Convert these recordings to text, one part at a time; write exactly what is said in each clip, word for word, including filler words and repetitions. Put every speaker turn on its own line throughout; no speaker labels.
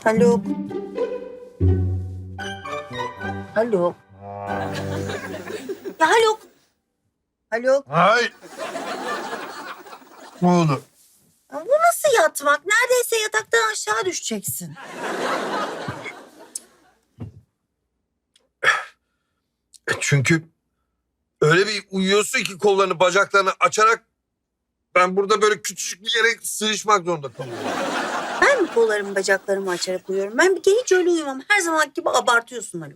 Haluk. Haluk. Ya Haluk. Haluk.
Hayır. Ne oldu?
Ya bu nasıl yatmak? Neredeyse yataktan aşağı düşeceksin.
Çünkü öyle bir uyuyorsun ki kollarını, bacaklarını açarak ben burada böyle küçücük bir yere sığışmak zorunda kalıyorum.
Ben mi kollarımı bacaklarımı açarak uyuyorum? Ben bir kere hiç öyle uyumam. Her zaman gibi abartıyorsun Haluk.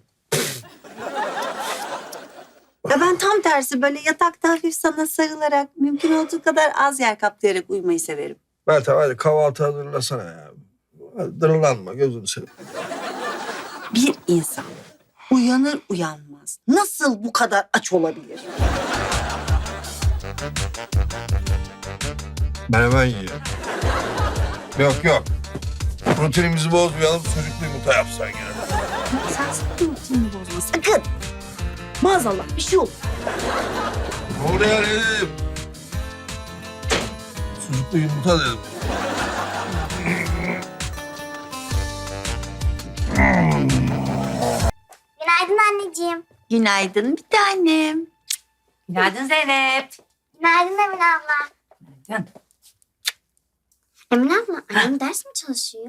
Ya ben tam tersi böyle yatakta hafif sana sarılarak mümkün olduğu kadar az yer kaplayarak uyumayı severim.
Meltem hadi kahvaltı hazırlasana ya. Hadi dırlanma gözünü seveyim.
Bir insan uyanır uyanmaz nasıl bu kadar aç olabilir?
Ben hemen yiyorum. Yok yok. Rutinimizi bozmayalım, sucuklu yumurta yapsan gene.
Sen sakın rutinini bozma sakın. Maazallah bir şey olur.
Ne oluyor dedim. Sucuklu yumurta dedim.
Günaydın anneciğim.
Günaydın bir tanem.
Günaydın Zeynep.
Günaydın Emine abla.
Günaydın.
Emine abla, annem ders mi çalışıyor?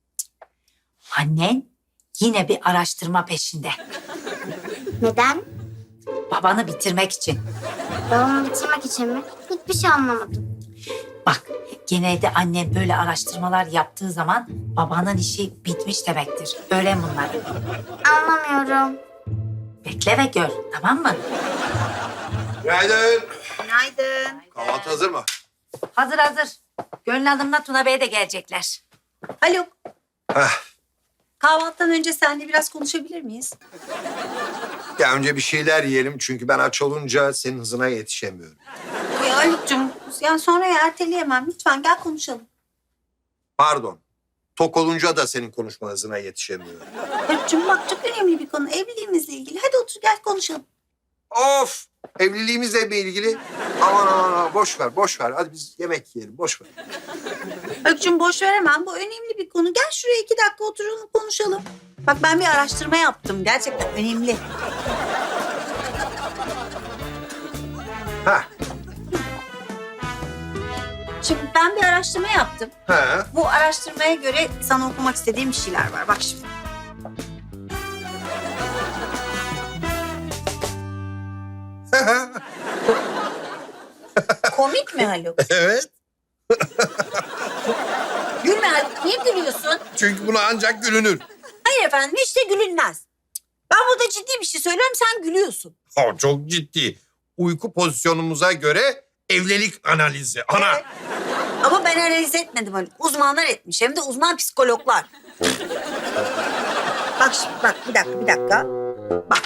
Annen yine bir araştırma peşinde.
Neden?
Babanı bitirmek için.
Babamı bitirmek için mi? Hiçbir şey anlamadım.
Bak genelde annen böyle araştırmalar yaptığı zaman babanın işi bitmiş demektir. Öğren bunları.
Anlamıyorum.
Bekle ve gör, tamam mı?
Günaydın.
Günaydın.
Kahvaltı hazır mı?
Hazır hazır. Gönül Hanım'la Tuna Bey de gelecekler.
Haluk,
Heh.
kahvaltıdan önce seninle biraz konuşabilir miyiz?
Ya önce bir şeyler yiyelim çünkü ben aç olunca senin hızına yetişemiyorum.
Ya Haluk'cum, yani sonra erteleyemem. Lütfen gel konuşalım.
Pardon. Tok olunca da senin konuşma hızına yetişemiyorum.
Haluk'cum bak çok önemli bir konu. Evliliğimizle ilgili. Hadi otur gel konuşalım.
Of! Evliliğimizle mi ilgili? Aman aman aman boş ver, boş ver. Hadi biz yemek yiyelim, boş ver.
Haluk'cum boş veremem. Bu önemli bir konu. Gel şuraya iki dakika oturalım konuşalım. Bak ben bir araştırma yaptım. Gerçekten önemli.
Ha,
Şimdi ben bir araştırma yaptım.
ha.
Bu araştırmaya göre sana okumak istediğim bir şeyler var. Bak şimdi. Komik mi Haluk?
Evet.
Gülme Haluk. Niye gülüyorsun?
Çünkü buna ancak gülünür.
Hayır efendim hiç de gülünmez. Ben burada ciddi bir şey söylüyorum sen gülüyorsun.
O çok ciddi. Uyku pozisyonumuza göre evlilik analizi. Ana!
Evet. Ama ben analiz etmedim Haluk. Uzmanlar etmiş. Hem de uzman psikologlar. Bak şimdi bak bir dakika bir dakika. Bak.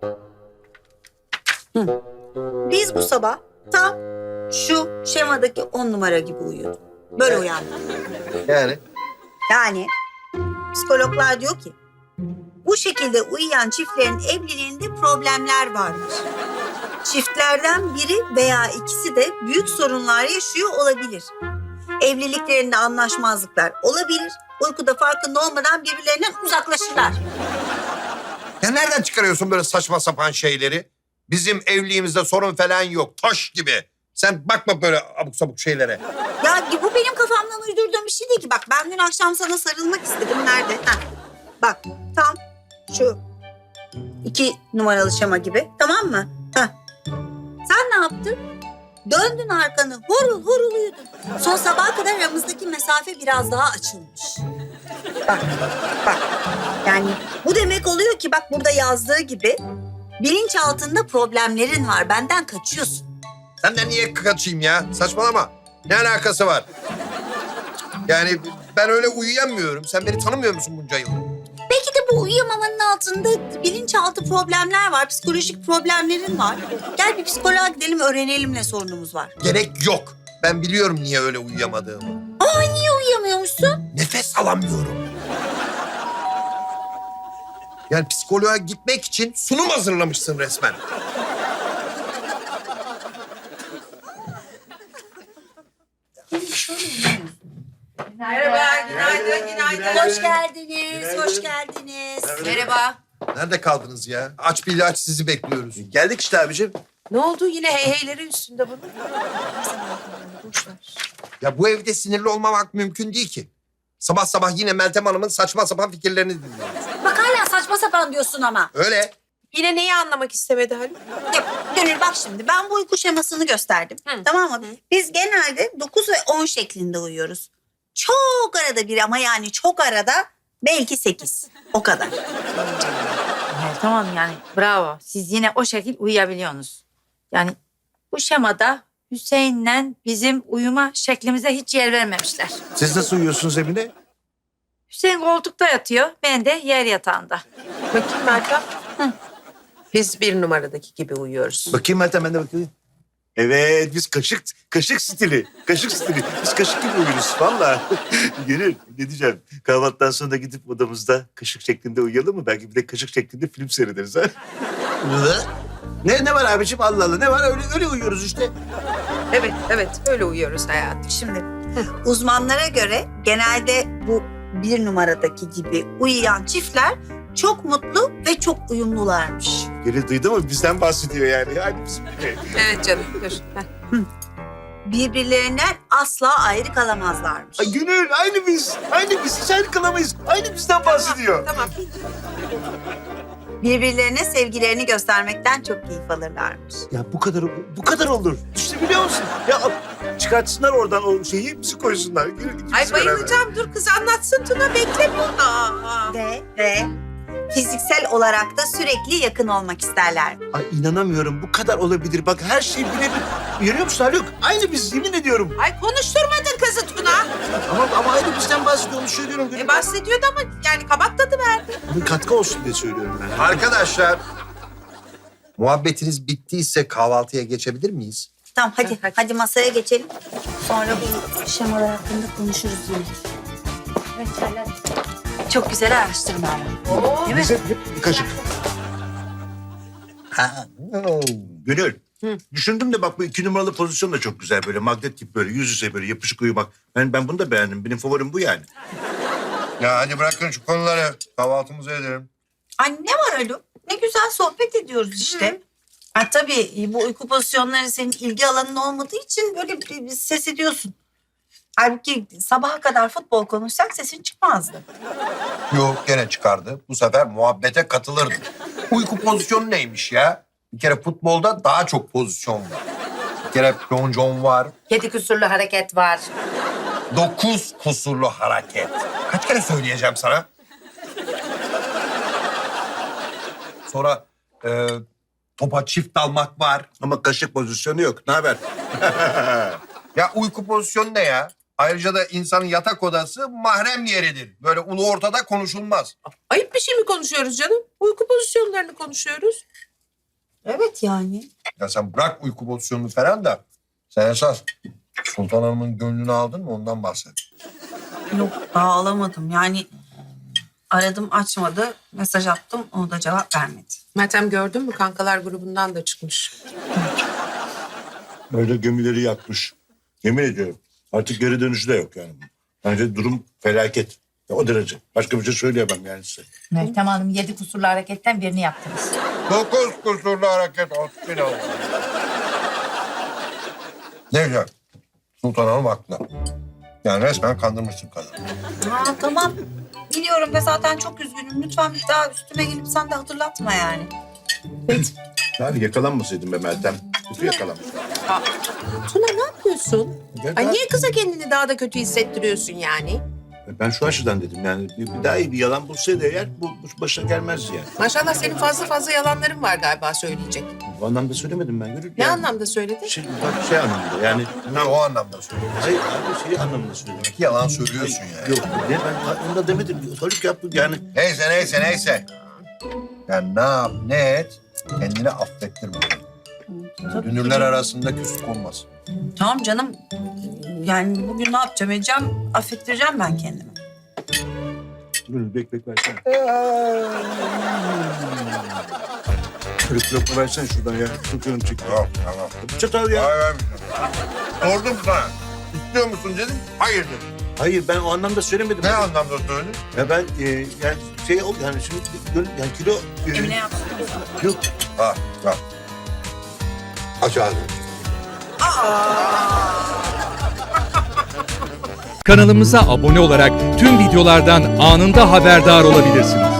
Hı. Biz bu sabah tam şu şemadaki on numara gibi uyuyorduk. Böyle uyandık.
Yani?
Yani psikologlar diyor ki bu şekilde uyuyan çiftlerin evliliğinde problemler varmış. Çiftlerden biri veya ikisi de büyük sorunlar yaşıyor olabilir. Evliliklerinde anlaşmazlıklar olabilir. Uykuda farkında olmadan birbirlerinden uzaklaşırlar.
Ya nereden çıkarıyorsun böyle saçma sapan şeyleri? Bizim evliliğimizde sorun falan yok. Taş gibi. Sen bakma böyle abuk sabuk şeylere.
Ya bu benim kafamdan uydurduğum bir şey değil ki. Bak ben dün akşam sana sarılmak istedim. Nerede? Heh. Bak tam şu iki numaralı şema gibi. Tamam mı? Heh. Sen ne yaptın? Döndün arkanı. Horul horul uyudun. Son sabaha kadar aramızdaki mesafe biraz daha açılmış. Bak bak. Yani bu demek oluyor ki bak burada yazdığı gibi bilinç altında problemlerin var. Benden kaçıyorsun.
Senden niye kaçayım ya? Saçmalama. Ne alakası var? Yani ben öyle uyuyamıyorum. Sen beni tanımıyor musun bunca yıl?
Belki de bu uyuyamamanın altında bilinçaltı problemler var, psikolojik problemlerin var. Gel bir psikoloğa gidelim öğrenelim ne sorunumuz var.
Gerek yok. Ben biliyorum niye öyle uyuyamadığımı.
Aa niye uyuyamıyormuşsun?
Nefes alamıyorum. Yani psikoloğa gitmek için sunum hazırlamışsın resmen.
Şöyle uyuyamıyorsun.
Merhaba, günaydın, günaydın.
Hoş geldiniz, hoş geldiniz.
Merhaba.
Nerede kaldınız ya? Aç bir ilaç sizi bekliyoruz.
Geldik işte abicim.
Ne oldu? Yine heyheyleri üstünde bunun.
Ya bu evde sinirli olmamak mümkün değil ki. Sabah sabah yine Meltem Hanım'ın saçma sapan fikirlerini dinliyoruz.
Bak hala saçma sapan diyorsun ama.
Öyle.
Yine neyi anlamak istemedi Haluk?
Ya, Gönül bak şimdi ben bu uyku şemasını gösterdim.
Hı.
Tamam mı? Biz genelde dokuz ve on şeklinde uyuyoruz. Çok arada bir ama yani çok arada belki sekiz. O kadar.
Evet, tamam yani bravo. Siz yine o şekil uyuyabiliyorsunuz. Yani bu şemada Hüseyin'le bizim uyuma şeklimize hiç yer vermemişler.
Siz nasıl uyuyorsunuz Emine?
Hüseyin koltukta yatıyor, ben de yer yatağında.
Bakayım Meltem. Biz bir numaradaki gibi uyuyoruz.
Bakayım Meltem, ben de bakayım. Evet, biz kaşık kaşık stili. Kaşık stili. Biz kaşık gibi uyuruz valla. Gönül, ne diyeceğim? Kahvaltıdan sonra gidip odamızda kaşık şeklinde uyuyalım mı? Belki bir de kaşık şeklinde film seyrederiz ha? ne ne var abicim? Allah Allah, ne var? Öyle öyle uyuyoruz işte.
Evet, evet. Öyle uyuyoruz hayatım.
Şimdi uzmanlara göre genelde bu bir numaradaki gibi uyuyan çiftler çok mutlu ve çok uyumlularmış.
Gönül duydu mu? Bizden bahsediyor yani. Aynı bizim gibi.
Evet canım, dur. Heh.
Birbirlerinden asla ayrı kalamazlarmış.
Ay Gönül, aynı biz. Aynı biz. Hiç ayrı kalamayız. Aynı bizden bahsediyor.
Tamam.
Birbirlerine sevgilerini göstermekten çok keyif alırlarmış.
Ya bu kadar bu kadar olur. Düşünebiliyor musun? Ya çıkartsınlar oradan o şeyi, bizi koysunlar. Gönül, ikimiz
Ay
beraber.
bayılacağım. Dur kız anlatsın Tuna. Beklemiyor. Aa.
Ve, ve fiziksel olarak da sürekli yakın olmak isterler.
Ay inanamıyorum. Bu kadar olabilir. Bak her şey birebir. Görüyor musun Haluk? Aynı biz, yemin ediyorum.
Ay konuşturmadın kızı Tuna.
Ama, ama aynı bizden bahsediyor. Onu söylüyorum. Gönül.
E bahsediyordu ama yani kabak tadı verdi.
Bir katkı olsun diye söylüyorum ben.
Arkadaşlar, muhabbetiniz bittiyse kahvaltıya geçebilir miyiz?
Tamam hadi,
Hadi.
hadi masaya geçelim. Sonra bu şemalar hakkında konuşuruz yine.
Çok güzel araştırma ama. Değil mi?
Biz hep, hep bir kaşık. Ha, oh. Gönül. Düşündüm de bak bu iki numaralı pozisyon da çok güzel. Böyle magnet gibi böyle yüz yüze böyle yapışık uyumak. Ben, ben bunu da beğendim. Benim favorim bu yani.
Ya hadi bırakın şu konuları. Kahvaltımızı edelim.
Ay ne var öyle? Ne güzel sohbet ediyoruz işte. Ha, tabii bu uyku pozisyonları senin ilgi alanın olmadığı için böyle bir, bir ses ediyorsun. Halbuki sabaha kadar futbol konuşsak sesin çıkmazdı.
Yok gene çıkardı. Bu sefer muhabbete katılırdı. Uyku pozisyonu neymiş ya? Bir kere futbolda daha çok pozisyon var. Bir kere plonjon var.
Yedi kusurlu hareket var.
Dokuz kusurlu hareket. Kaç kere söyleyeceğim sana? Sonra e, topa çift dalmak var.
Ama kaşık pozisyonu yok. Ne haber?
Ya uyku pozisyonu ne ya? Ayrıca da insanın yatak odası mahrem yeridir. Böyle ulu ortada konuşulmaz.
Ayıp bir şey mi konuşuyoruz canım? Uyku pozisyonlarını konuşuyoruz.
Evet yani.
Ya sen bırak uyku pozisyonunu falan da sen esas Sultan Hanım'ın gönlünü aldın mı ondan bahset.
Yok daha alamadım yani. Aradım açmadı, mesaj attım o da cevap vermedi.
Meltem gördün mü? Kankalar grubundan da çıkmış.
Böyle gemileri yakmış. Yemin ediyorum. Artık geri dönüşü de yok yani. Bence durum felaket. Ya o derece. Başka bir şey söyleyemem yani size.
Meltem Hanım yedi kusurlu hareketten birini yaptınız.
Dokuz kusurlu hareket olsun oldu. Ne güzel. Sultan Hanım haklı. Yani resmen kandırmışsın kadını.
Ha tamam. Biliyorum ve zaten çok üzgünüm. Lütfen bir daha üstüme gelip sen de hatırlatma yani.
Yani yakalanmasaydın be Meltem. Kötü yakalanmış.
Tuna ne yapıyorsun?
Gel
Ay
daha-
niye kıza kendini daha da kötü hissettiriyorsun yani?
Ben şu açıdan dedim yani. Bir, bir daha iyi bir yalan bulsaydı eğer bu, bu başına gelmezdi yani.
Maşallah senin fazla fazla yalanların var galiba söyleyecek.
Bu anlamda söylemedim ben. Gönül.
Ne
Yani
anlamda söyledin?
Şey, bak şey anlamında yani.
Ha, o anlamda söylüyorum.
Hayır abi şey anlamında söyledim.
Yalan söylüyorsun yani.
Yok ne ben onu da demedim. Haluk yaptı yani.
Neyse neyse neyse. Yani ne yap ne et kendini affettirme. Dünürler arasında küslük olmaz.
Tamam canım. Yani bugün ne yapacağım edeceğim? Affettireceğim ben kendimi.
Dur bek bek versene. Haluk lokma versene şuradan ya. Çok canım çekti.
Yok tamam.
Çatal ya.
Hayır, hayır. Sordum sana. İstiyor musun dedim. Hayır dedim.
Hayır ben o anlamda söylemedim.
Ne anlamda söyledin?
Ya ben e, yani şey ol yani şimdi gönül- yani kilo... e,
Emine yapsın.
Yok.
Ha, bak. Aç ağzını.
Kanalımıza abone olarak tüm videolardan anında haberdar olabilirsiniz.